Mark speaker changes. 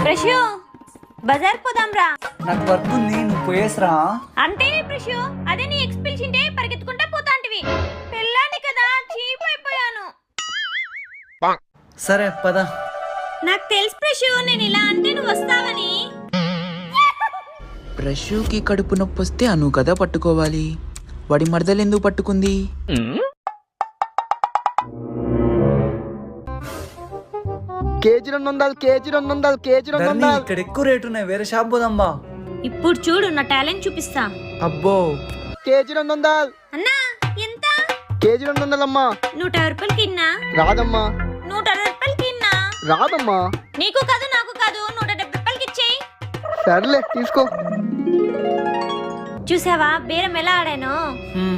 Speaker 1: ప్రశు బజార్ పోదాంరా.
Speaker 2: నాకు వర్క్ ఉంది, నువ్వు పోయేసరా.
Speaker 1: అంటే ప్రశు అదే నీ ఎక్స్పెల్సింటే పరిగెత్తుకుంటా పోతాంటివి. పెళ్ళాని కదా చీప్ అయిపోయాను.
Speaker 2: సరే పద.
Speaker 1: నాకు తెలుసు ప్రశు, నేను ఇలా అంటే నువ్వు వస్తావని.
Speaker 3: ప్రశుకి కడుపు నొప్పి వస్తే అను కదా పట్టుకోవాలి, వాడి మరదలు ఎందుకు పట్టుకుంది?
Speaker 4: KG 200, KG 200, KG 200.
Speaker 2: ఇక్కడ ఎక్కువ రేటు ఉన్నాయి, వేరే షాప్ పోదాం బా.
Speaker 1: ఇప్పుడు చూడు నా టాలెంట్ చూపిస్తా.
Speaker 2: అబ్బో
Speaker 4: కేజీ 200.
Speaker 1: అన్నా ఎంత?
Speaker 4: కేజీ 200 అమ్మా.
Speaker 1: 150 రూపాయలకి ఇన్నా.
Speaker 4: రాదమ్మా.
Speaker 1: 160 రూపాయలకి ఇన్నా.
Speaker 4: రాదమ్మా.
Speaker 1: నీకు కాదు నాకు కాదు, 170 రూపాయలకి ఇచ్చేయి.
Speaker 4: సర్లే తీసుకో.
Speaker 1: చూసావా బేరం ఎలా ఆడాను?